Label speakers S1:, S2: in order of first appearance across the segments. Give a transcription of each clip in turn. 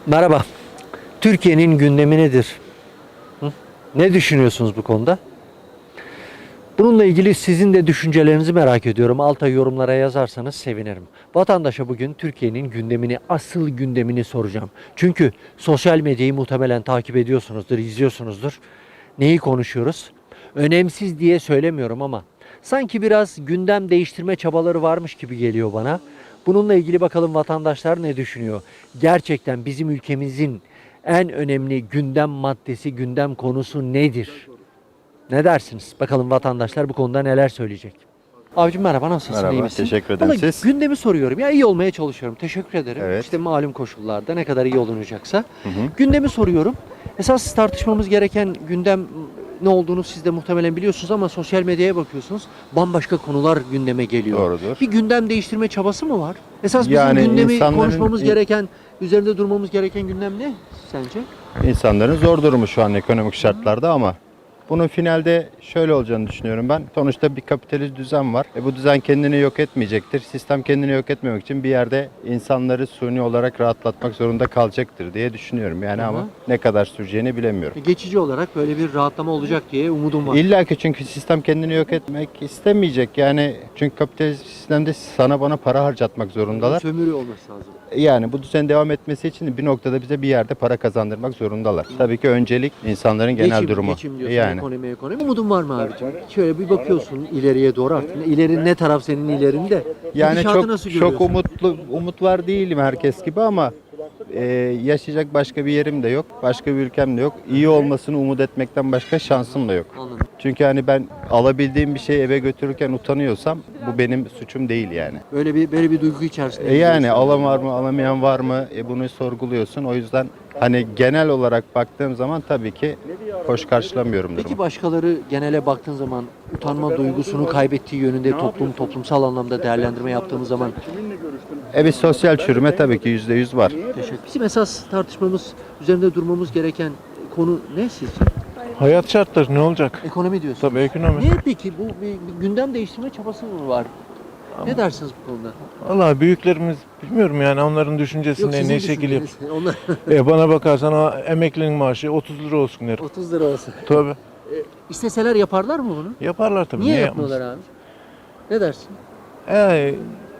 S1: Merhaba. Türkiye'nin gündemi nedir? Hı? Ne düşünüyorsunuz bu konuda? Bununla ilgili sizin de düşüncelerinizi merak ediyorum. Alta yorumlara yazarsanız sevinirim. Vatandaşa bugün Türkiye'nin gündemini, asıl gündemini soracağım. Çünkü sosyal medyayı muhtemelen takip ediyorsunuzdur, izliyorsunuzdur. Neyi konuşuyoruz? Önemsiz diye söylemiyorum ama sanki biraz gündem değiştirme çabaları varmış gibi geliyor bana. Bununla ilgili bakalım vatandaşlar ne düşünüyor? Gerçekten bizim ülkemizin en önemli gündem maddesi, gündem konusu nedir? Ne dersiniz? Bakalım vatandaşlar bu konuda neler söyleyecek. Abicim merhaba, nasılsın? İyi
S2: Merhaba,
S1: misin?
S2: teşekkür ederim.
S1: Vallahi
S2: Siz?
S1: gündemi soruyorum. Ya iyi olmaya çalışıyorum. Teşekkür ederim.
S2: Evet.
S1: İşte malum koşullarda ne kadar iyi olunacaksa.
S2: Hı hı.
S1: Gündemi soruyorum. Esas tartışmamız gereken gündem ne olduğunu siz de muhtemelen biliyorsunuz ama sosyal medyaya bakıyorsunuz. Bambaşka konular gündeme geliyor.
S2: Doğrudur.
S1: Bir gündem değiştirme çabası mı var? Esas bizim
S2: Yani
S1: gündemi
S2: insanların-
S1: konuşmamız gereken, üzerinde durmamız gereken gündem ne sence?
S2: İnsanların zor durumu şu an ekonomik şartlarda ama bunun finalde şöyle olacağını düşünüyorum ben. Sonuçta bir kapitalist düzen var. Bu düzen kendini yok etmeyecektir. Sistem kendini yok etmemek için bir yerde insanları suni olarak rahatlatmak zorunda kalacaktır diye düşünüyorum. Yani
S1: Hı hı.
S2: ama ne kadar süreceğini bilemiyorum.
S1: Geçici olarak böyle bir rahatlama olacak diye umudum var.
S2: İlla ki çünkü sistem kendini yok etmek istemeyecek. Yani çünkü kapitalist sistemde sana bana para harcatmak zorundalar.
S1: Sömürü olması lazım.
S2: Yani bu düzen devam etmesi için bir noktada bize bir yerde para kazandırmak zorundalar. Tabii ki öncelik insanların genel durumu.
S1: Geçim diyorsun,
S2: Yani
S1: ekonomi. Umudun var mı abicim? Şöyle bir bakıyorsun ileriye doğru artık. İleri ne taraf senin ilerinde?
S2: yani
S1: Gidişatı nasıl
S2: çok
S1: görüyorsun?
S2: umut var değilim herkes gibi ama yaşayacak başka bir yerim de yok. Başka bir ülkem de yok. İyi olmasını umut etmekten başka şansım da yok.
S1: Anladım.
S2: Çünkü hani ben alabildiğim bir şeyi eve götürürken utanıyorsam bu benim suçum değil yani.
S1: Böyle bir duygu içerisinde.
S2: Yani
S1: gidiyorsun.
S2: alan var mı, alamayan var mı? Bunu sorguluyorsun. O yüzden hani genel olarak baktığım zaman tabii ki hoş karşılamıyorum durumu.
S1: Peki başkaları genele baktığın zaman utanma duygusunu kaybettiği yönünde toplumsal anlamda değerlendirme yaptığımız zaman
S2: Bir sosyal çürüme tabii ki %100 var.
S1: bizim esas tartışmamız, üzerinde durmamız gereken konu ne sizce?
S3: Hayat şartları ne olacak?
S1: Ekonomi diyorsun.
S3: Tabii ekonomi.
S1: Niye peki bu bir gündem değiştirme çabası mı var? Ne dersiniz bu konuda?
S3: Vallahi büyüklerimiz bilmiyorum yani onların düşüncesinde
S1: sizin
S3: ne şekil yap.
S1: düşünceniz. Onlar
S3: Bana bakarsan o emeklinin maaşı 30 lira olsun der.
S1: 30 lira olsun.
S3: Tabii.
S1: İsteseler yaparlar mı bunu?
S3: Yaparlar tabii.
S1: Niye
S3: yapmasın?
S1: yapmıyorlar abi? Ne dersin?
S3: E,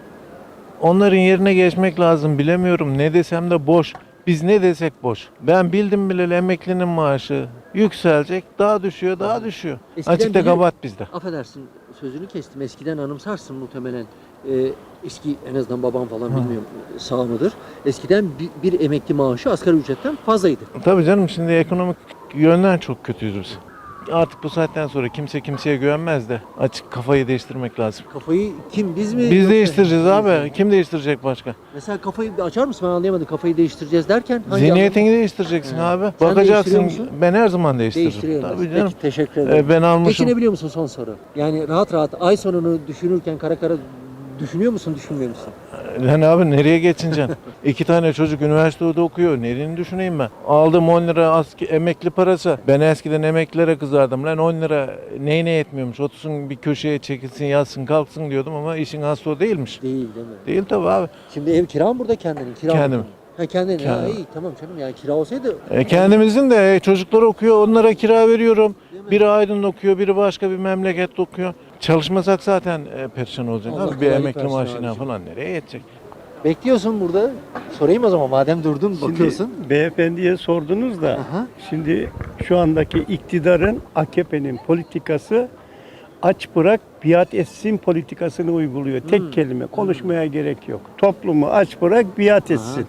S3: onların yerine geçmek lazım bilemiyorum. Ne desem de boş. Biz ne desek boş. Ben bildim bileli emeklinin maaşı yükselecek. Daha düşüyor, daha düşüyor.
S1: Eskiden
S3: Açıkta
S1: bilir-
S3: kabahat bizde.
S1: Affedersin sözünü kestim. Eskiden anımsarsın muhtemelen. Eski en azından babam falan bilmiyorum sağ mıdır? Eskiden bir emekli maaşı asgari ücretten fazlaydı.
S3: Tabii canım şimdi ekonomik yönden çok kötüyüz biz. Artık bu saatten sonra kimse kimseye güvenmez de açık kafayı değiştirmek lazım.
S1: Kafayı kim biz mi?
S3: Biz
S1: yoksa-
S3: değiştireceğiz
S1: Biz
S3: abi.
S1: mi?
S3: Kim değiştirecek başka?
S1: Mesela kafayı bir açar mısın? Ben anlayamadım. Kafayı değiştireceğiz derken hangi
S3: Zihniyetini değiştireceksin
S1: He.
S3: abi.
S1: Sen
S3: Bakacaksın.
S1: değiştiriyor musun?
S3: Ben her zaman
S1: anlamda?
S3: değiştiririm.
S1: Değiştiriyorum.
S3: Tabii
S1: Peki,
S3: canım.
S1: teşekkür ederim.
S3: Ben almışım.
S1: Geçinebiliyor musun son soru? Yani rahat rahat ay sonunu düşünürken kara kara düşünüyor musun, düşünmüyor musun?
S3: Lan abi nereye geçineceksin? 2 tane çocuk üniversitede okuyor. Nereni düşüneyim ben? Aldım 10 lira emekli parası. Ben eskiden emeklilere kızardım. Lan 10 lira neyine yetmiyormuş. Otursun bir köşeye çekilsin, yatsın, kalksın diyordum ama işin aslı o değilmiş.
S1: Değil değil mi?
S3: Değil tabii abi.
S1: Şimdi ev kira mı burada kendinin? Kira mı?
S3: Kendim.
S1: Ha kendin. Ha
S3: Kendim.
S1: iyi tamam canım yani kira olsaydı.
S3: Kendimizin de çocuklar okuyor, onlara kira veriyorum.
S1: Değil mi?
S3: Biri Aydın'da okuyor, biri başka bir memlekette okuyor. Çalışmasak zaten perişan olacak
S1: Allah
S3: abi. Bir
S1: kolaylık
S3: emekli
S1: versin
S3: maaşına
S1: abicim.
S3: falan nereye yetecek?
S1: Bekliyorsun burada. Sorayım o zaman madem durdun bakıyorsun.
S4: Şimdi beyefendiye sordunuz da
S1: Aha.
S4: şimdi şu andaki iktidarın AKP'nin politikası aç bırak biat etsin politikasını uyguluyor. Tek kelime konuşmaya gerek yok. Toplumu aç bırak biat etsin.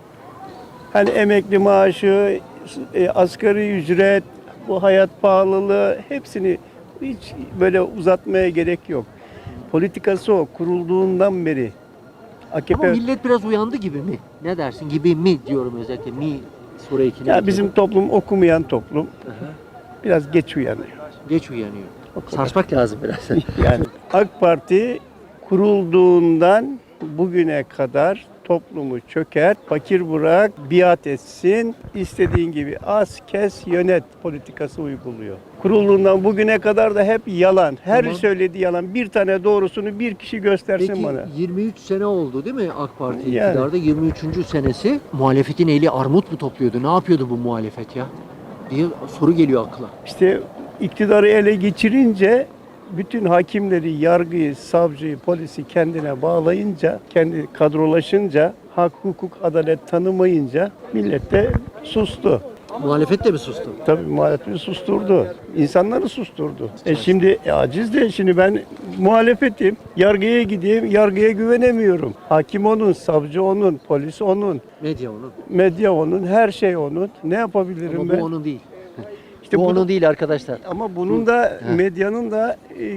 S4: Hani emekli maaşı, asgari ücret, bu hayat pahalılığı hepsini hiç böyle uzatmaya gerek yok. Politikası o kurulduğundan beri. AKP
S1: Ama millet biraz uyandı gibi mi? Ne dersin? Gibi mi diyorum özellikle. Mi soru ekini.
S4: ya bizim toplum okumayan toplum.
S1: Aha.
S4: Biraz geç uyanıyor.
S1: Geç uyanıyor. Sarsmak lazım biraz.
S4: Yani AK Parti kurulduğundan bugüne kadar toplumu çökert, fakir bırak, biat etsin, istediğin gibi az kes yönet politikası uyguluyor. kurulduğundan bugüne kadar da hep yalan. Her
S1: Tamam.
S4: söylediği yalan. Bir tane doğrusunu bir kişi göstersin
S1: Peki
S4: bana.
S1: 23 sene oldu değil mi AK Parti
S4: Yani.
S1: iktidarda? 23. senesi muhalefetin eli armut mu topluyordu? Ne yapıyordu bu muhalefet ya? Diye soru geliyor akla.
S4: İşte iktidarı ele geçirince bütün hakimleri, yargıyı, savcıyı, polisi kendine bağlayınca, kendi kadrolaşınca, hak, hukuk, adalet tanımayınca millet de sustu.
S1: Muhalefet de mi sustu?
S4: Tabii muhalefeti susturdu. İnsanları susturdu. Şimdi aciz de şimdi ben muhalefetim. Yargıya gideyim, yargıya güvenemiyorum. Hakim onun, savcı onun, polis onun,
S1: Medya onun.
S4: medya onun, her şey onun. Ne yapabilirim
S1: Ama
S4: ben?
S1: bu onun değil.
S4: İşte
S1: bu
S4: bu-
S1: onun değil arkadaşlar.
S4: Ama bunun da medyanın da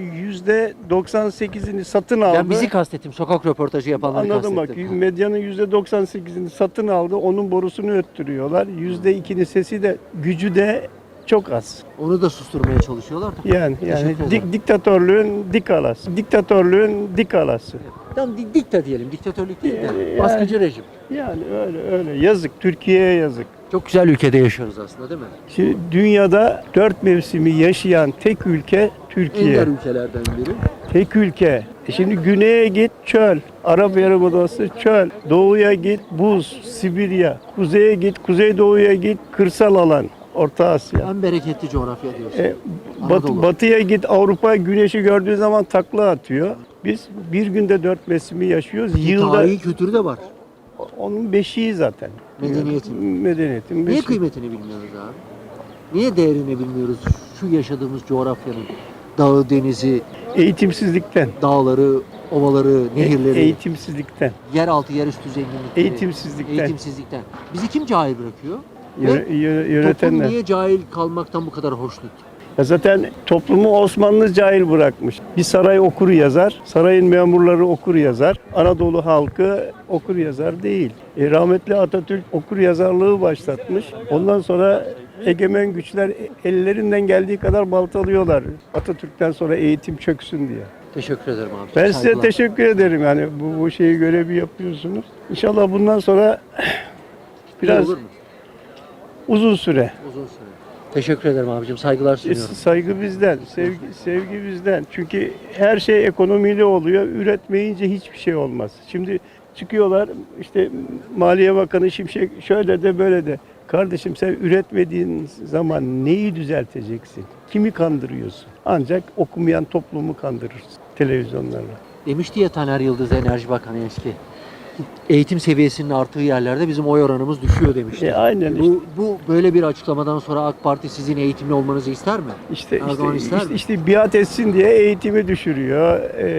S4: %98'ini satın aldı.
S1: Ben bizi kastettim. Sokak röportajı yapanları
S4: Anladım bak.
S1: kastettim.
S4: Medyanın %98'ini satın aldı. Onun borusunu öttürüyorlar. %2'nin sesi de gücü de çok az.
S1: Onu da susturmaya çalışıyorlar da.
S4: Yani
S1: Teşekkür ederim.
S4: diktatörlüğün dik alası. Diktatörlüğün dik alası.
S1: Tamam dikta diyelim. Diktatörlük değil de.
S4: Yani-
S1: Baskıcı rejim.
S4: Yani öyle. Yazık. Türkiye'ye yazık.
S1: Çok güzel ülkede yaşıyoruz aslında değil mi?
S4: Şimdi dünyada 4 mevsimi yaşayan tek ülke Türkiye.
S1: Ender ülkelerden biri.
S4: Tek ülke. Şimdi güneye git çöl. Arap Yarımadası çöl. Doğuya git buz, Sibirya. Kuzeye git, kuzeydoğuya git kırsal alan. Orta Asya.
S1: En bereketli coğrafya diyorsun.
S4: Batı,
S1: Anadolu.
S4: batıya git Avrupa güneşi gördüğü zaman takla atıyor. Biz bir günde 4 mevsimi yaşıyoruz. Yılda
S1: Tarihi kültürü de var.
S4: onun beşiği zaten.
S1: Medeniyetin.
S4: Medeniyetin
S1: Niye
S4: beşiği.
S1: kıymetini bilmiyoruz abi? Niye değerini bilmiyoruz şu yaşadığımız coğrafyanın? Dağı, denizi,
S4: Eğitimsizlikten.
S1: dağları, ovaları, nehirleri,
S4: Eğitimsizlikten.
S1: yeraltı, yerüstü zenginlikleri.
S4: Eğitimsizlikten.
S1: Eğitimsizlikten. Bizi kim cahil bırakıyor? Toplum
S4: Yönetenler.
S1: niye cahil kalmaktan bu kadar hoşnut?
S4: Ya zaten toplumu Osmanlı cahil bırakmış. Bir saray okur yazar, sarayın memurları okur yazar. Anadolu halkı okur yazar değil. Rahmetli Atatürk okur yazarlığı başlatmış. Ondan sonra egemen güçler ellerinden geldiği kadar baltalıyorlar. Atatürk'ten sonra eğitim çöksün diye.
S1: Teşekkür ederim abi.
S4: Ben size
S1: Saygılar.
S4: teşekkür ederim yani bu şeyi görevi yapıyorsunuz. İnşallah bundan sonra biraz
S1: Olur mu?
S4: uzun süre.
S1: Uzun süre. Teşekkür ederim abicim. Saygılar sunuyorum.
S4: Saygı bizden, sevgi bizden. Çünkü her şey ekonomiyle oluyor. Üretmeyince hiçbir şey olmaz. Şimdi çıkıyorlar işte Maliye Bakanı Şimşek şöyle de böyle de. Kardeşim sen üretmediğin zaman neyi düzelteceksin? Kimi kandırıyorsun? Ancak okumayan toplumu kandırırsın televizyonlarla.
S1: Demişti ya Taner Yıldız Enerji Bakanı eski. Eğitim seviyesinin arttığı yerlerde bizim oy oranımız düşüyor demişti.
S4: Aynen
S1: Bu böyle bir açıklamadan sonra AK Parti sizin eğitimli olmanızı ister mi? Erdoğan ister mi?
S4: işte biat etsin diye eğitimi düşürüyor.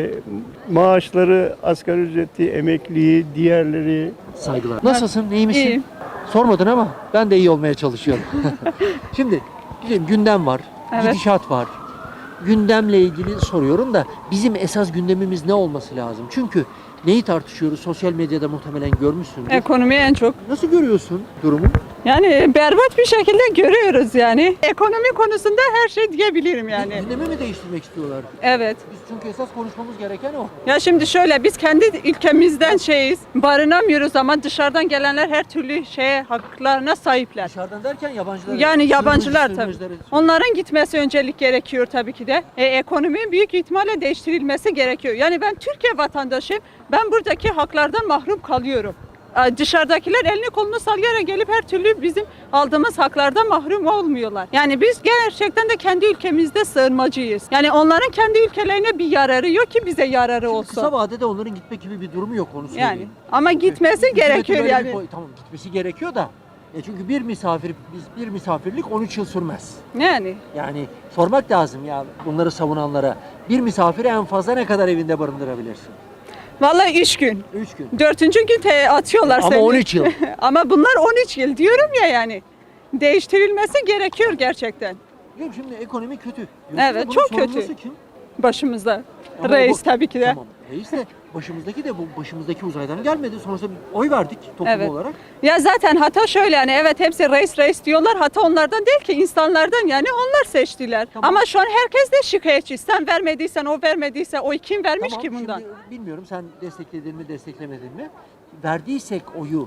S4: Maaşları, asgari ücreti, emekliyi, diğerleri.
S1: Saygılar. Nasılsın? İyi misin?
S5: İyiyim.
S1: Sormadın ama ben de iyi olmaya çalışıyorum. Şimdi bizim gündem var,
S5: Evet.
S1: gidişat var. Gündemle ilgili soruyorum da bizim esas gündemimiz ne olması lazım? Çünkü neyi tartışıyoruz? Sosyal medyada muhtemelen görmüşsündür.
S5: Ekonomi en çok.
S1: Nasıl görüyorsun durumu?
S5: Yani berbat bir şekilde görüyoruz yani. Ekonomi konusunda her şey diyebilirim yani.
S1: Gündemi mi değiştirmek istiyorlar?
S5: Evet.
S1: Biz çünkü esas konuşmamız gereken o.
S5: Ya şimdi şöyle biz kendi ülkemizden barınamıyoruz ama dışarıdan gelenler her türlü haklarına sahipler.
S1: Dışarıdan derken yabancılar.
S5: Yani yabancılar tabii.
S1: sürmüzleri-
S5: Onların gitmesi öncelik gerekiyor tabii ki de. Ekonomi büyük ihtimalle değiştirilmesi gerekiyor. Yani ben Türkiye vatandaşıyım. Ben buradaki haklardan mahrum kalıyorum. Dışarıdakiler elini kolunu sallayarak gelip her türlü bizim aldığımız haklardan mahrum olmuyorlar. Yani biz gerçekten de kendi ülkemizde sığınmacıyız. Yani onların kendi ülkelerine bir yararı yok ki bize yararı olsun.
S1: Kısa vadede onların gitmek gibi bir durumu yok onu söyleyeyim.
S5: Yani ama gitmesi
S1: Hükümetin
S5: gerekiyor
S1: böyle
S5: yani.
S1: tamam gitmesi gerekiyor da. Çünkü bir misafirlik 13 yıl sürmez.
S5: Yani
S1: Yani sormak lazım ya bunları savunanlara. Bir misafiri en fazla ne kadar evinde barındırabilirsin?
S5: vallahi 3 gün.
S1: 3 gün.
S5: 4. gün atıyorlar
S1: Ama
S5: seni.
S1: 13 yıl.
S5: Ama bunlar 13 yıl diyorum ya yani. Değiştirilmesi gerekiyor gerçekten
S1: Diyorum şimdi ekonomi kötü. Diyorsun
S5: Evet,
S1: da bunun
S5: çok kötü.
S1: sorumlusu kim?
S5: başımızda.
S1: Ama
S5: Reis
S1: bu-
S5: tabii ki de.
S1: Tamam. Reis de başımızdaki uzaydan gelmedi. Sonuçta bir oy verdik toplum
S5: Evet.
S1: olarak.
S5: Ya zaten hata şöyle yani evet hepsi reis diyorlar. Hata onlardan değil ki insanlardan yani onlar seçtiler.
S1: Tamam.
S5: Ama şu an herkes de şikayetçi. Sen vermediysen o vermediyse o kim vermiş
S1: Tamam,
S5: ki bundan?
S1: şimdi bilmiyorum sen destekledin mi desteklemedin mi? Verdiysek oyu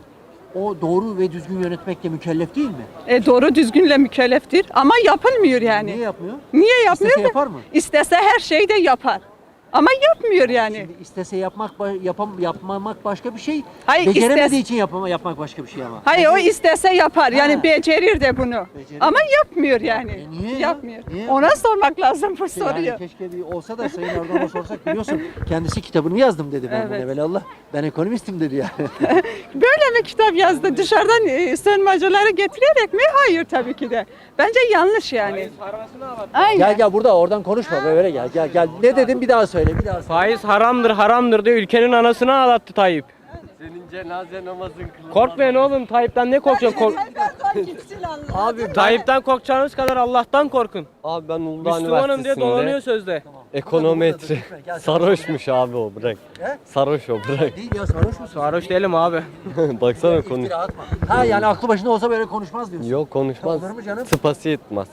S1: o doğru ve düzgün yönetmekle mükellef değil mi?
S5: Doğru düzgünle mükelleftir ama yapılmıyor yani.
S1: Niye yapmıyor?
S5: Niye yapmıyor?
S1: İstese yapar mı?
S5: İstese her şeyi de yapar. Ama yapmıyor yani.
S1: Şimdi istese yapmamak başka bir şey.
S5: Hayır,
S1: Beceremediği için yapmak başka bir şey ama.
S5: Hayır o istese yapar. Yani
S1: Ha.
S5: becerir de bunu.
S1: Becerir.
S5: Ama yapmıyor yani.
S1: Niye ya?
S5: Yapmıyor.
S1: Niye?
S5: Ona sormak lazım bu soruyu.
S1: Yani keşke bir olsa da Sayın Erdoğan'a sorsak, biliyorsun kendisi kitabını yazdım dedi ben
S5: Evet.
S1: evelallah. Ben ekonomistim dedi yani.
S5: Böyle mi kitap yazdı? Dışarıdan sığınmacıları getirerek mi? Hayır tabii ki de. Bence yanlış yani. Aynen.
S1: Gel burada oradan konuşma böyle gel. Ne dedim bir daha söyle bir daha söyle.
S6: Faiz haramdır diye ülkenin anasını ağlattı Tayyip. Senin cenaze namazın kılınmaz. Korkmayın oğlum, Tayyip'ten ne korkacaksın?
S5: Abi
S6: Tayyip'ten korkacağınız kadar Allah'tan korkun.
S7: Abi ben Uludağ
S6: Müslümanım diye dolanıyor
S7: Üniversitesi'nde
S6: sözde.
S7: ekonometri sarhoşmuş abi o bırak.
S1: He?
S7: Sarhoş o bırak.
S1: Değil ya, sarhoş musun?
S6: Sarhoş değilim abi.
S7: Baksana konuş.
S1: İftira atma. Ha yani aklı başında olsa böyle konuşmaz diyorsun.
S7: Yok konuşmaz.
S1: Olur mu canım?
S7: Sıpası yetmez.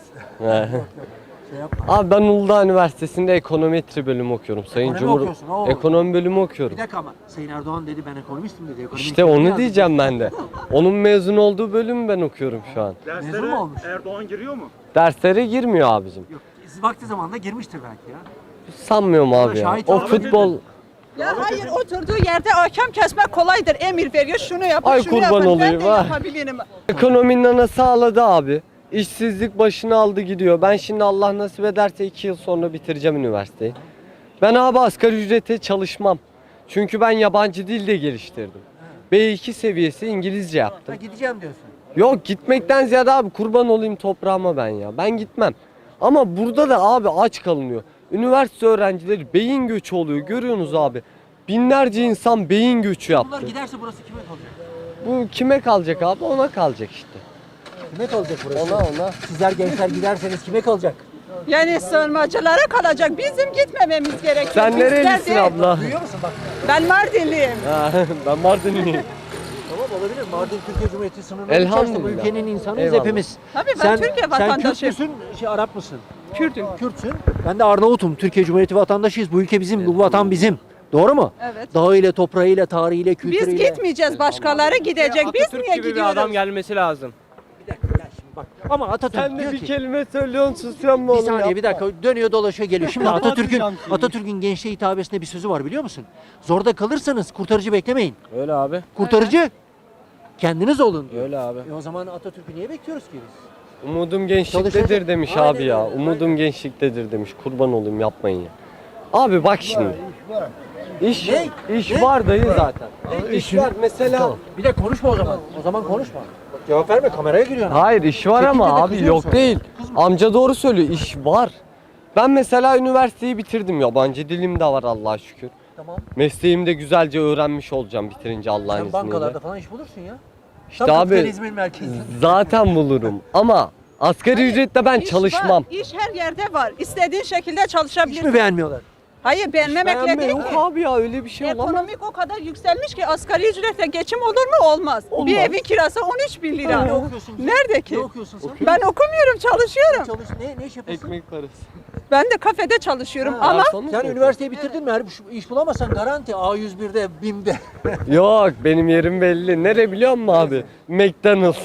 S1: Şey yapma.
S7: Abi ben Uludağ Üniversitesi'nde ekonometri bölümü okuyorum. Sayın
S1: Ekonomi okuyorsun, oo.
S7: Ekonomi bölümü okuyorum.
S1: Bir dakika ama Sayın Erdoğan dedi ben ekonomistim dedi. Ekonomi
S7: İşte
S1: kitabını
S7: onu
S1: yazdım.
S7: diyeceğim ben de. Onun mezun olduğu bölümü ben okuyorum şu an.
S1: Mezun mu olmuş?
S7: Derslere girmiyor abicim.
S1: Yok. Vakti zamanında girmiştir belki ya.
S7: Sanmıyorum abi ya.
S1: şahit
S7: O
S1: olmadı.
S7: futbol
S5: Ya hayır, oturduğu yerde hakem kesmek kolaydır. Emir veriyor, şunu yapın,
S7: Ay
S5: şunu
S7: kurban
S5: yapın.
S7: olayım,
S5: Ben de
S7: ha.
S5: yapabilirim.
S7: ekonominin ana sağladı abi. İşsizlik başını aldı gidiyor. Ben şimdi Allah nasip ederse 2 yıl sonra bitireceğim üniversiteyi. Ben abi asgari ücrete çalışmam. Çünkü ben yabancı dil de geliştirdim. B2 seviyesi İngilizce
S1: Ha,
S7: yaptım.
S1: gideceğim diyorsun.
S7: Yok gitmekten ziyade abi kurban olayım toprağıma ben ya. Ben gitmem. Ama burada da abi aç kalınıyor. Üniversite öğrencileri beyin göçü oluyor. Görüyorsunuz abi. Binlerce insan beyin göçü
S1: Bunlar
S7: yaptı.
S1: giderse burası kime kalacak?
S7: Bu kime kalacak abi? Ona kalacak işte.
S1: Kime kalacak burası?
S7: Ona.
S1: Sizler gençler giderseniz kime kalacak?
S5: Yani sığınmacılara kalacak. Bizim gitmememiz gerekiyor.
S7: Sen
S5: Bizler
S7: nerelisin
S5: de-
S7: abla?
S1: Duyuyor musun bak?
S5: Ben Mardinliyim.
S7: Ha, ben Mardinliyim.
S1: Tamam olabilir. Mardin Türkiye Cumhuriyeti sınırları
S7: Elhamdülillah.
S1: içerisinde bu ülkenin insanıyız
S7: Eyvallah.
S1: hepimiz.
S5: Tabii ben Türkiye
S1: Sen Kürt
S5: vatandaşıyım.
S1: müsün, Arap mısın?
S5: Kürdüm.
S1: Kürtsün. Ben de Arnavut'um. Türkiye Cumhuriyeti vatandaşıyız. Bu ülke bizim, bu vatan bizim. Doğru mu?
S5: Evet.
S1: Dağıyla, toprağıyla, tarihiyle, kültürüyle.
S5: Biz gitmeyeceğiz, başkaları gidecek. Biz
S6: Atatürk
S5: niye
S6: gibi bir
S5: gidiyoruz?
S6: adam gelmesi lazım.
S1: Bir dakika ya şimdi bak. Ama Atatürk
S7: Sen de
S1: diyor
S7: bir
S1: ki.
S7: kelime söylüyorsun susuyor mu
S1: Bir
S7: oğlum
S1: saniye
S7: ya?
S1: bir dakika dönüyor dolaşıyor geliyor. Şimdi Atatürk'ün gençliğe hitabesinde bir sözü var biliyor musun? Zorda kalırsanız kurtarıcı beklemeyin.
S6: Öyle abi.
S1: Kurtarıcı kendiniz olun diyor.
S6: Öyle abi.
S1: O zaman Atatürk'ü niye bekliyoruz ki biz?
S7: Umudum gençliktedir
S1: Çalışacak.
S7: demiş
S1: Aynen
S7: abi ya.
S1: öyle.
S7: Umudum gençliktedir demiş. Kurban olayım yapmayın ya. Abi bak şimdi. İş
S1: Ne?
S7: iş
S1: Ne?
S7: var dayı zaten. İş var mesela.
S1: Tamam. Bir de konuşma o zaman. O zaman konuşma. Bak, cevap verme kameraya giriyorsun.
S7: Hayır iş var
S1: Çekince de
S7: ama abi
S1: kızıyorum
S7: yok
S1: sonra.
S7: değil.
S1: Kızma.
S7: Amca doğru söylüyor. İş var. Ben mesela üniversiteyi bitirdim. Yabancı dilim de var Allah'a şükür.
S1: Tamam.
S7: Mesleğimi de güzelce öğrenmiş olacağım bitirince Allah'ın
S1: Sen
S7: izniyle.
S1: bankalarda falan iş bulursun ya.
S7: İşte
S1: Tam
S7: abi
S1: kapitalizmin merkezi.
S7: zaten bulurum ama asgari ücretle ben
S5: İş
S7: çalışmam.
S5: var, İş her yerde var. İstediğin şekilde
S1: Hiç
S5: çalışabilirsin.
S1: mi beğenmiyorlar?
S5: Hayır, beğenmemekle
S7: Beğenme
S5: değil
S7: yok
S5: ki.
S7: abi ya öyle bir şey olamaz.
S5: Ekonomik o kadar yükselmiş ki asgari ücretle geçim olur mu? Olmaz.
S7: Olmaz.
S5: Bir evin kirası 13 bin lira.
S1: Ne okuyorsun ki?
S5: Nerede ki?
S1: Ne okuyorsun sen?
S5: Ben okumuyorum, çalışıyorum.
S1: Çalış, ne iş yapıyorsun?
S7: Ekmek parası.
S5: Ben de kafede çalışıyorum
S1: Ha,
S5: ama
S1: Sen üniversiteyi bitirdin mi? Her iş bulamazsan garanti A101'de, BİM'de.
S7: Yok benim yerim belli. Nere biliyor musun abi? McDonald's.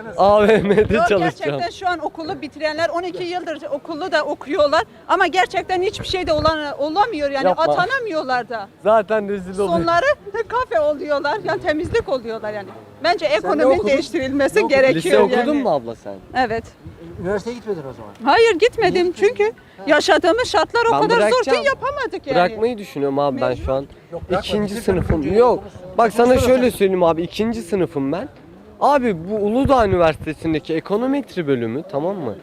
S7: AVM'de
S5: yok,
S7: çalışacağım.
S5: gerçekten şu an okulu bitirenler 12 yıldır okulu da okuyorlar ama gerçekten hiçbir şey de olamıyor yani
S7: Yapma.
S5: atanamıyorlar da.
S7: Zaten rezil oluyor.
S5: Sonları kafe oluyorlar yani temizlik oluyorlar yani. Bence
S1: ne
S5: ekonominin
S1: okudun?
S5: değiştirilmesi
S1: Ne okudun?
S5: gerekiyor
S7: Lise okudun
S5: yani.
S7: mu abla sen?
S5: Evet.
S1: Üniversiteye gitmedin o zaman.
S5: Hayır gitmedim çünkü yaşadığımız şartlar o
S7: Ben
S5: kadar zor
S7: bırakacağım.
S5: ki yapamadık yani.
S7: Bırakmayı düşünüyorum abi ben şu an.
S1: Yok, bırakma,
S7: İkinci
S1: bitir
S7: sınıfım.
S1: önce
S7: Yok.
S1: konuş.
S7: Bak sana
S1: Konuşsana
S7: şöyle
S1: sen.
S7: söyleyeyim abi. İkinci sınıfım ben. Abi bu Uludağ Üniversitesi'ndeki ekonometri bölümü tamam mı?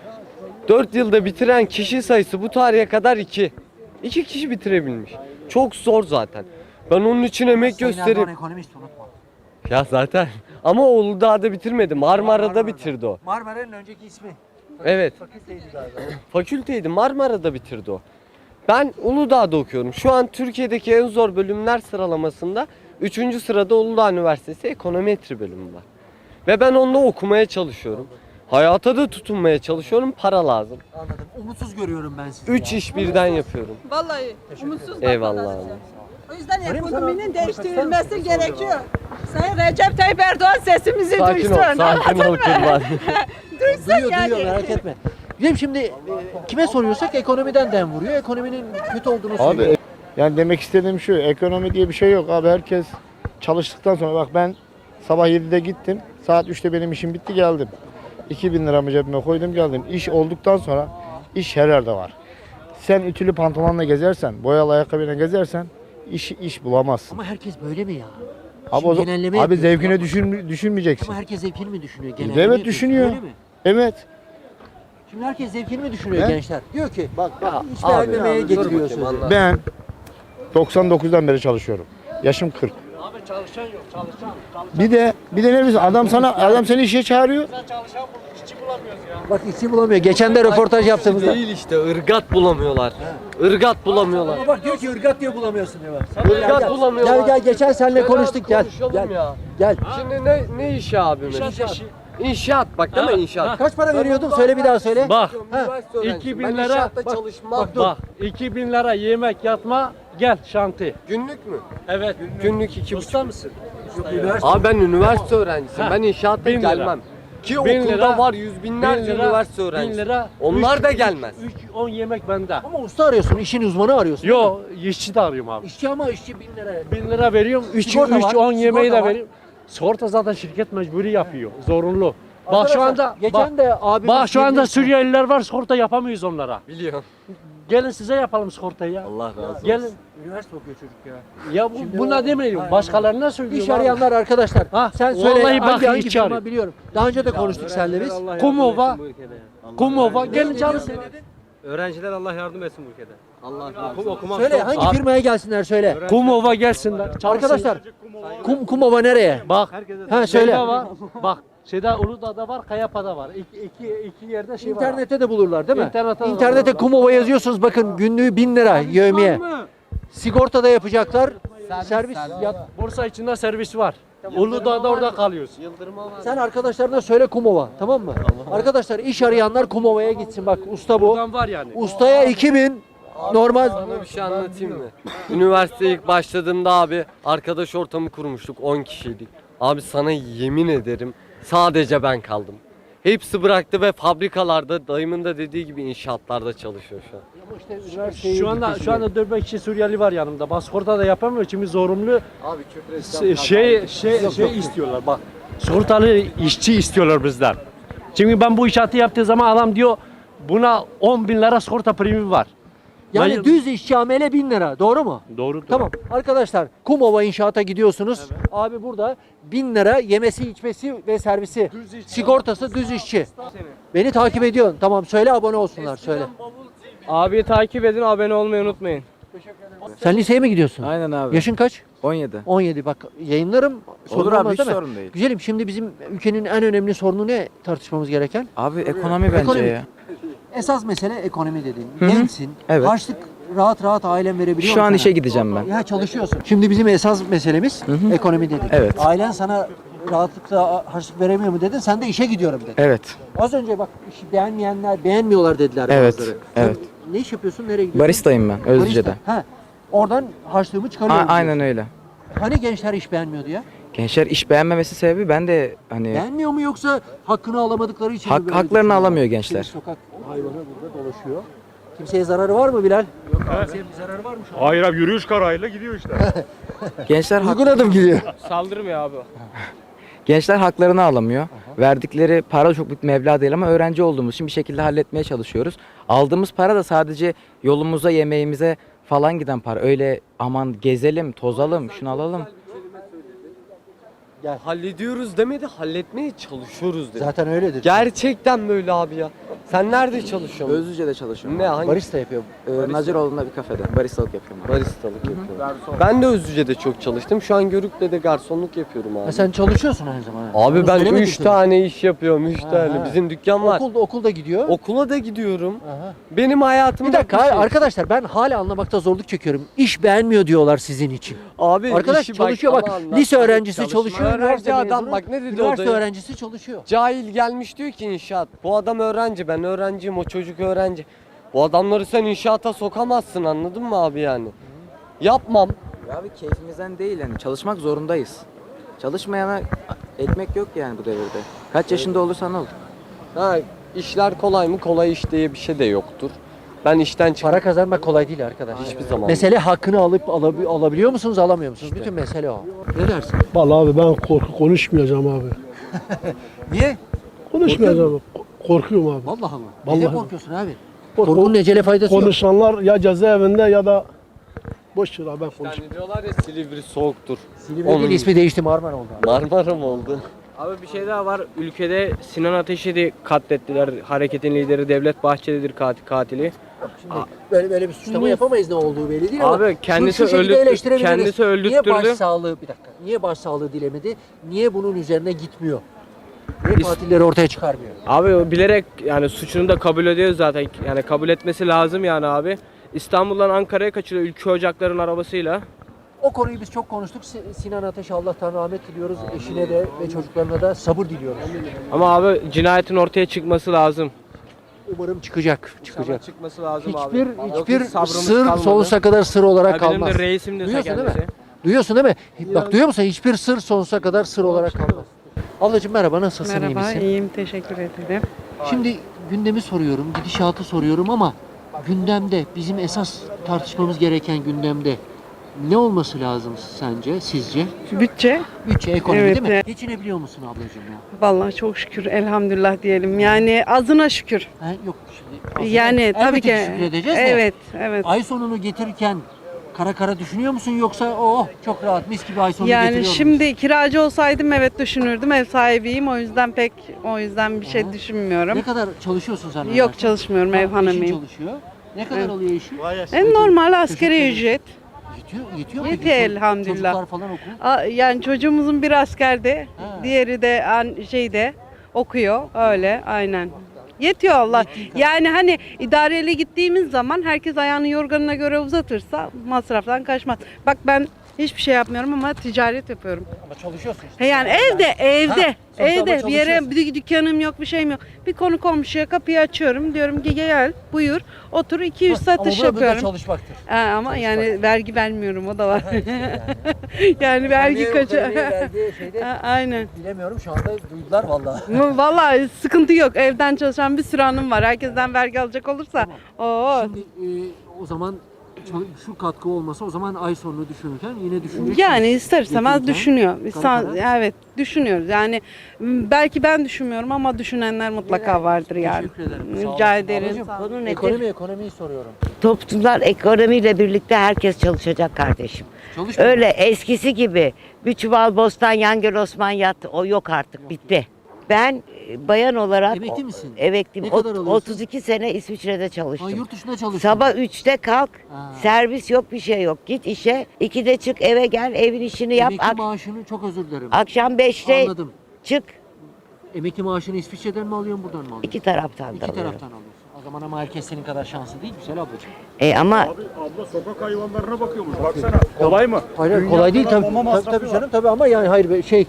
S7: 4 yılda bitiren kişi sayısı bu tarihe kadar 2. 2 kişi bitirebilmiş. Çok zor zaten. Ben onun için emek
S1: Sayın
S7: gösterip...
S1: Erdoğan ekonomist unutma.
S7: Ya zaten. Ama o Uludağ'da bitirmedi. Marmara'da bitirdi o.
S1: Marmara'nın önceki ismi.
S7: Evet.
S1: Fakülteydi galiba.
S7: Fakülteydi. Marmara'da bitirdi o. Ben Uludağ'da okuyorum. Şu an Türkiye'deki en zor bölümler sıralamasında 3. sırada Uludağ Üniversitesi Ekonometri bölümü var. Ve ben onunla okumaya çalışıyorum. Hayata da tutunmaya çalışıyorum. Para lazım.
S1: Anladım. Umutsuz görüyorum ben sizi.
S7: 3
S1: ya.
S7: iş birden yapıyorum.
S5: Vallahi umutsuz
S7: Eyvallah
S5: bakmalar.
S7: abi.
S5: O yüzden
S1: Öyle mi?
S5: ekonominin
S1: Sana-
S5: değiştirilmesi gerekiyor. Sayın Recep Tayyip Erdoğan sesimizi
S7: Sakin
S5: duysun.
S7: ol, sakin ol kurban.
S5: Duysun yani.
S1: Duyuyor merak etme. Bizim şimdi kime soruyorsak ekonomiden dem vuruyor. Ekonominin kötü olduğunu söylüyor.
S8: Abi yani demek istediğim şu, ekonomi diye bir şey yok abi. Herkes çalıştıktan sonra, bak ben sabah 7'de gittim, saat 3'te benim işim bitti, geldim. 2000 liramı cebime koydum, geldim. İş olduktan sonra iş her yerde var. Sen ütülü pantolonla gezersen, boyalı ayakkabıyla gezersen iş bulamazsın.
S1: Ama herkes böyle mi ya?
S8: Abi,
S1: Şimdi genelleme
S8: abi
S1: yapıyoruz.
S8: zevkine düşünmeyeceksin.
S1: Ama herkes zevkini mi düşünüyor?
S8: Evet,
S1: yapıyoruz.
S8: düşünüyor.
S1: Öyle mi?
S8: Evet.
S1: Şimdi herkes zevkini mi düşünüyor
S8: He?
S1: gençler? Diyor ki bak hiç
S7: abi,
S1: beğenmemeye
S7: dur
S1: getiriyor
S7: bakayım,
S1: sözü.
S7: anlat.
S8: Ben 99'dan beri çalışıyorum. Yaşım 40.
S6: Abi çalışan yok, çalışan.
S8: Bir de ne bileyim, adam seni işe çağırıyor.
S6: Çalışan işçi bulamıyoruz ya.
S1: Bak işçi bulamıyor. Geçen de röportaj yaptığımızda.
S7: Değil işte, ırgat bulamıyorlar. Irgat bulamıyorlar.
S1: Ama bak diyor ki ırgat diye bulamıyorsun diyor bak.
S7: Irgat bulamıyorlar.
S1: Gel geçen seninle
S7: Gel
S1: konuştuk
S7: abi,
S1: gel.
S7: konuşalım
S1: Gel.
S7: ya.
S1: Gel.
S7: Şimdi ne işi abi mesela?
S6: İşçi.
S7: İnşaat bak değil mi inşaat?
S1: Kaç para
S7: Ben
S1: veriyordun?
S7: ondan
S1: Söyle bir daha söyle.
S6: Bak,
S7: Üniversite öğrencisiyim.
S6: 2000
S7: Ben
S6: lira,
S7: inşaatta
S6: bak,
S7: çalışmam.
S6: bak 2000 lira yemek yatma gel şanti.
S7: Günlük mü?
S6: Evet.
S7: Günlük 2,5.
S6: Usta mısın?
S7: Abi ben üniversite öğrencisiyim.
S6: Ha,
S7: Ben inşaatta
S6: 1000 lira.
S7: gelmem. Ki
S6: 1000
S7: okulda
S6: lira,
S7: var yüz binlerce üniversite öğrencisi.
S6: 1000 lira.
S7: Onlar da gelmez.
S6: 10 yemek bende.
S1: Ama usta arıyorsun, işin uzmanı arıyorsun.
S6: Yo, işçi de arıyorum abi.
S1: İşçi ama işçi 1000 lira.
S6: 1000 lira veriyorum. 3
S1: Sigorta var,
S6: 10 yemeği
S1: sigorta
S6: de
S1: var.
S6: veriyorum. Sigorta zaten şirket mecburi yapıyor. Zorunlu. Bak
S1: Arkadaşlar,
S6: şu anda
S1: geçen de abimiz
S6: bak şu anda
S1: girdi.
S6: Suriyeliler var, sigorta yapamıyoruz onlara.
S7: Biliyorum.
S6: Gelin size yapalım sigortayı ya.
S7: Allah razı olsun.
S6: Gelin.
S1: Üniversite okuyor çocuk ya.
S6: Ya buna demeyelim. Başkalarına söylüyorum.
S1: İş
S6: abi.
S1: arayanlar arkadaşlar.
S6: Ha,
S1: Sen söyle
S6: vallahi bak,
S1: hangi
S6: işçi
S1: firma
S6: arıyor.
S1: biliyorum. Daha önce de konuştuk seninle biz.
S6: Kumova. Kumova. Gelin çalışın.
S9: Öğrenciler Allah yardım etsin bu ülkede. Allah okumak
S1: Söyle
S9: çok-
S1: hangi firmaya gelsinler söyle.
S6: Kumova gelsinler. Çalışsın.
S1: Arkadaşlar Kumova nereye?
S6: Bak.
S1: Ha söyle.
S6: Şeyde var. Bak. Şeyde Uludağ'da var, Kayapa'da var. İki yerde şey var.
S1: İnternette de bulurlar değil mi?
S6: İnternette de
S1: İnternete
S6: bulurlar.
S1: Kumova yazıyorsunuz bakın günlüğü 1000 lira yevmiye. Sigorta da yapacaklar. Servis ya.
S6: Borsa içinde servis var. Uludağ'da orada kalıyoruz.
S1: Sen arkadaşlarına söyle Kumova tamam mı? Arkadaşlar iş arayanlar Kumova'ya gitsin bak usta bu.
S6: Buradan var yani.
S1: Ustaya 2000 normal.
S7: Sana bir şey anlatayım mı? Üniversiteye ilk başladığımda abi arkadaş ortamı kurmuştuk 10 kişiydik. Abi sana yemin ederim sadece ben kaldım. Hepsi bıraktı ve fabrikalarda dayımın da dediği gibi inşaatlarda çalışıyor şu an.
S6: Şu anda 4-5 kişi Suriyeli var yanımda. Pasporta da yapamıyor çünkü zorunlu
S7: Abi küfür
S6: şey istiyorlar bak. Sigortalı işçi istiyorlar bizden. Çünkü ben bu inşaatı yaptığı zaman adam diyor buna 10 bin lira sigorta primi var.
S1: Yani
S6: Ben-
S1: düz işçi amele 1000 lira doğru mu?
S6: Doğrudur.
S1: Tamam arkadaşlar Kumova inşaata gidiyorsunuz. Abi burada 1000 lira yemesi içmesi ve servisi. Sigortası düz işçi. Beni takip ediyorsun. Tamam söyle abone olsunlar söyle.
S6: Abi takip edin, abone olmayı unutmayın.
S1: Sen liseye mi gidiyorsun?
S10: Aynen abi.
S1: Yaşın kaç?
S10: 17.
S1: 17 bak yayınlarım. sorun
S10: Olur abi
S1: olmaz
S10: hiç
S1: değil mi?
S10: sorun değil.
S1: Güzelim şimdi bizim ülkenin en önemli sorunu ne tartışmamız gereken?
S10: Abi ekonomi bence
S1: Ekonomi.
S10: ya.
S1: Esas mesele ekonomi dediğin.
S10: Hı hı.
S1: Gençsin.
S10: Evet.
S1: Harçlık rahat ailen verebiliyor
S10: Şu
S1: mu
S10: an
S1: sana?
S10: işe gideceğim ben.
S1: Ya çalışıyorsun. Şimdi bizim esas meselemiz
S10: hı.
S1: ekonomi dedik.
S10: Evet.
S1: Ailen sana rahatlıkla harçlık veremiyor mu dedin. Sen de işe gidiyorum dedin.
S10: Evet.
S1: Az önce bak işi beğenmiyorlar dediler
S10: Evet,
S1: bazıları.
S10: evet.
S1: Sen ne iş yapıyorsun? Nereye gidiyorsun?
S10: Baristayım ben Özlüce'de.
S1: Barista. Ha. Oradan harçlığımı çıkarıyorum.
S10: Aynen öyle.
S1: Hani gençler iş beğenmiyordu ya?
S10: Gençler iş beğenmemesi sebebi ben de hani
S1: Beğenmiyor mu yoksa hakkını alamadıkları için mi böyle
S10: haklarını
S1: düşünüyorlar?
S10: alamıyor gençler.
S1: Şimdi sokak hayvanı burada dolaşıyor. Kimseye zararı var mı Bilal? Yok. Kimseye bir zararı var mı şu an?
S11: Hayır abi yürüyüş kararıyla gidiyor işte.
S10: Gençler
S1: Uygun adım gidiyor.
S6: Saldırmıyor abi.
S10: gençler haklarını alamıyor. Verdikleri para çok büyük meblağ değil ama öğrenci olduğumuz için bir şekilde halletmeye çalışıyoruz. Aldığımız para da sadece yolumuza, yemeğimize falan giden para. Öyle aman gezelim, tozalım, şunu alalım.
S7: Hallediyoruz demedi, halletmeye çalışıyoruz dedi.
S1: Zaten öyledir.
S7: Gerçekten böyle abi ya. Sen nerede çalışıyorsun?
S10: Özlüce'de çalışıyorum.
S7: Ne hangi?
S1: Barista yapıyor.
S10: Naciroğlu'nda bir kafede baristalık yapıyorum. abi.
S7: Baristalık yapıyorum. Ben de Özlüce'de çok çalıştım. Şu an Görük'te de garsonluk yapıyorum abi.
S1: Ha, sen çalışıyorsun aynı zamanda.
S7: Abi
S1: Onu
S7: ben
S1: söylemedik
S7: 3
S1: mi?
S7: tane iş yapıyorum, 3
S1: Ha,
S7: tane.
S1: ha.
S7: Bizim dükkan var.
S1: Okulda gidiyor.
S7: Okula da gidiyorum.
S1: Aha.
S7: Benim hayatımda
S1: Bir dakika arkadaşlar ben hala anlamakta zorluk çekiyorum. İş beğenmiyor diyorlar sizin için.
S7: Abi
S1: Arkadaş
S7: işi
S1: çalışıyor bak.
S7: ama anlat.
S1: Lise öğrencisi
S7: Çalışma.
S1: çalışıyor.
S7: Öğrenci
S1: üniversite
S7: adam
S1: mezunu,
S7: bak ne dedi
S1: üniversite
S7: odaya?
S1: öğrencisi çalışıyor.
S7: Cahil gelmiş diyor ki inşaat. Bu adam öğrenci, ben öğrenciyim, o çocuk öğrenci. Bu adamları sen inşaata sokamazsın, anladın mı abi yani? Yapmam.
S10: Abi keyfimizden değil yani çalışmak zorundayız. Çalışmayana ekmek yok yani bu devirde. Kaç yaşında olursan ol.
S7: Ha, işler kolay mı? Kolay iş diye bir şey de yoktur. Ben işten çıktım.
S1: Para kazanmak kolay değil arkadaş.
S7: Hiçbir zaman.
S1: Mesele hakkını alabiliyor musunuz, alamıyor musunuz? Bütün mesele o. Ne dersin?
S11: Vallahi abi ben konuşmayacağım abi.
S1: Niye?
S11: Konuşmayacağım. Korkuyorum abi.
S1: Vallahi mı?
S11: Vallahi.
S1: Neden korkuyorsun abi? Korkunun ecele faydası yok.
S11: Konuşanlar ya cezaevinde ya da boş ver abi ben konuşmayayım.
S7: Yani diyorlar ya Silivri soğuktur.
S1: Silivri'nin ismi değişti, Marmara oldu.
S7: Marmara mı oldu?
S9: Abi bir şey daha var. Ülkede Sinan Ateş'i de katlettiler. Hareketin lideri Devlet Bahçeli'dir katili.
S1: Böyle bir suçlama yapamayız, ne olduğu belli değil ama
S9: Abi kendisi
S1: şu şekilde eleştirebiliriz.
S9: kendisi
S1: Niye
S9: öldürttürdü.
S1: başsağlığı, bir dakika, niye başsağlığı dilemedi? Niye bunun üzerine gitmiyor? Niye katilleri ortaya çıkarmıyor?
S9: Abi o bilerek yani suçunu da kabul ediyor zaten. Yani kabul etmesi lazım yani abi. İstanbul'dan Ankara'ya kaçırıyor Ülke Ocakları'nın arabasıyla.
S1: O konuyu biz çok konuştuk. Sinan Ateş'e Allah'tan rahmet diliyoruz. Eşine de ve çocuklarına da sabır diliyoruz.
S9: Ama abi cinayetin ortaya çıkması lazım.
S1: Umarım çıkacak.
S9: Çıkması lazım abi.
S1: Hiçbir
S9: Yoksa sabrımız
S1: sır
S9: kalmadı.
S1: sonsuza kadar sır olarak
S9: Ya benim
S1: kalmaz.
S9: de reisim de
S1: Duyuyorsun değil mi?
S9: kendisi.
S1: Duyuyorsun değil mi? Bak duyuyor musun? Hiçbir sır sonsuza kadar sır olarak kalmaz. Ablacığım merhaba, nasılsın? iyi
S12: Merhaba,
S1: misin?
S12: iyiyim. Teşekkür ederim.
S1: Şimdi gündemi soruyorum, gidişatı soruyorum ama gündemde, bizim esas tartışmamız gereken gündemde ne olması lazım sence, sizce?
S12: Bütçe,
S1: Bütçe, ekonomi
S12: Evet,
S1: değil mi?
S12: evet.
S1: Geçinebiliyor musun ablacığım ya?
S12: vallahi çok şükür, elhamdülillah diyelim. Yani azına şükür.
S1: Yok şimdi.
S12: Yani tabii ki.
S1: Şükredeceğiz de.
S12: Evet, evet.
S1: Ay sonunu getirirken kara düşünüyor musun, yoksa çok rahat mis gibi ay sonunu
S12: Yani
S1: getiriyor
S12: şimdi kiracı olsaydım evet düşünürdüm. Ev sahibiyim. O yüzden bir şey düşünmüyorum.
S1: Ne kadar çalışıyorsun sen?
S12: Yok, çalışmıyorum. Ev
S1: Eşin
S12: hanımıyım.
S1: çalışıyor. Ne kadar alıyor eşin?
S12: Normal askeri ücret.
S1: Yetiyor mu?
S12: Yetiyor
S1: peki?
S12: elhamdülillah.
S1: Çocuklar falan okul.
S12: Yani çocuğumuzun bir askerde,
S1: Ha.
S12: diğeri de şeyde okuyor. Öyle, aynen. Yetiyor Allah. Yani hani idareli gittiğimiz zaman herkes ayağını yorganına göre uzatırsa masraftan kaçmaz. Bak ben hiçbir şey yapmıyorum ama ticaret yapıyorum.
S1: Ama çalışıyorsun işte.
S12: He yani evde,
S1: sonuçta ama
S12: bir yere
S1: çalışıyorsun.
S12: bir dükkanım yok, bir şeyim yok. Bir konu komşuya kapıyı açıyorum. Diyorum ki gel, buyur, otur 200 satış
S1: Ama bu da
S12: yapıyorum.
S1: çalışmaktır.
S12: Ama yani vergi vermiyorum, o da var. Yani vergi kaçı.
S1: Vergi şeyde
S12: Aynen.
S1: bilemiyorum, şu anda duydular vallahi.
S12: Vallahi sıkıntı yok. Evden çalışan bir sürü hanım var. Herkesten vergi alacak olursa.
S1: Şimdi o zaman şu katkı olmasa, o zaman ay sonunu düşünürken yine düşüneceksiniz.
S12: Yani ister istemez
S1: Getirirken,
S12: düşünüyor.
S1: kara.
S12: Evet, düşünüyoruz. Yani belki ben düşünmüyorum ama düşünenler mutlaka vardır yani.
S1: Teşekkür ederim. Sağ
S12: Rica
S1: olasın.
S12: ederim.
S1: Ablacığım,
S13: Konu nedir?
S1: ekonomiyi soruyorum.
S13: Toplumlar ekonomiyle birlikte herkes çalışacak kardeşim.
S1: Çalışmıyor
S13: Öyle eskisi gibi bir çuval bostan yan gel Osman yat o yok artık bitti. Ben bayan olarak
S1: Emekli misin?
S13: emekliyim.
S1: Ne kadar alıyorsun?
S13: 32 sene İsviçre'de
S1: Ha,
S13: çalıştım.
S1: yurt dışında çalışıyorsun.
S13: Sabah 3'te kalk.
S1: Ha.
S13: Servis yok, bir şey yok. Git işe. 2'de çık eve gel, evin işini yap.
S1: Emekli maaşını, çok özür dilerim.
S13: Akşam 5'te
S1: Anladım.
S13: çık.
S1: Emekli maaşını İsviçre'den mi alıyorsun, buradan mı alıyorsun?
S13: İki taraftan da
S1: İki
S13: alıyorum.
S1: taraftan alıyorsun. O zaman ama herkes senin kadar şanslı değil, güzel ablacığım.
S13: Ama
S11: Abla sokak hayvanlarına bakıyormuş baksana. Kolay mı?
S1: Hayır, kolay değil tabii. Tabii canım, tabii ama yani hayır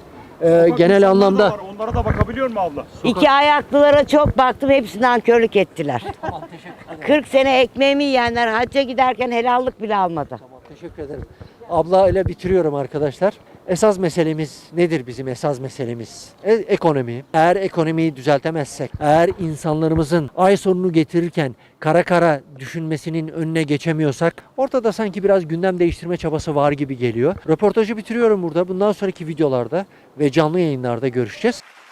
S1: genel anlamda.
S11: Var, onlara da bakabiliyor mu abla?
S13: iki ayaklılara çok baktım, hepsi nankörlük ettiler.
S1: Tamam, teşekkür ederim.
S13: 40 sene ekmeğimi yiyenler hacca giderken helallik bile almadı.
S1: Tamam, teşekkür ederim. Abla ile bitiriyorum arkadaşlar. Esas meselemiz nedir bizim esas meselemiz? Ekonomi. Eğer ekonomiyi düzeltemezsek, eğer insanlarımızın ay sonunu getirirken kara düşünmesinin önüne geçemiyorsak, ortada sanki biraz gündem değiştirme çabası var gibi geliyor. Röportajı bitiriyorum burada. Bundan sonraki videolarda ve canlı yayınlarda görüşeceğiz.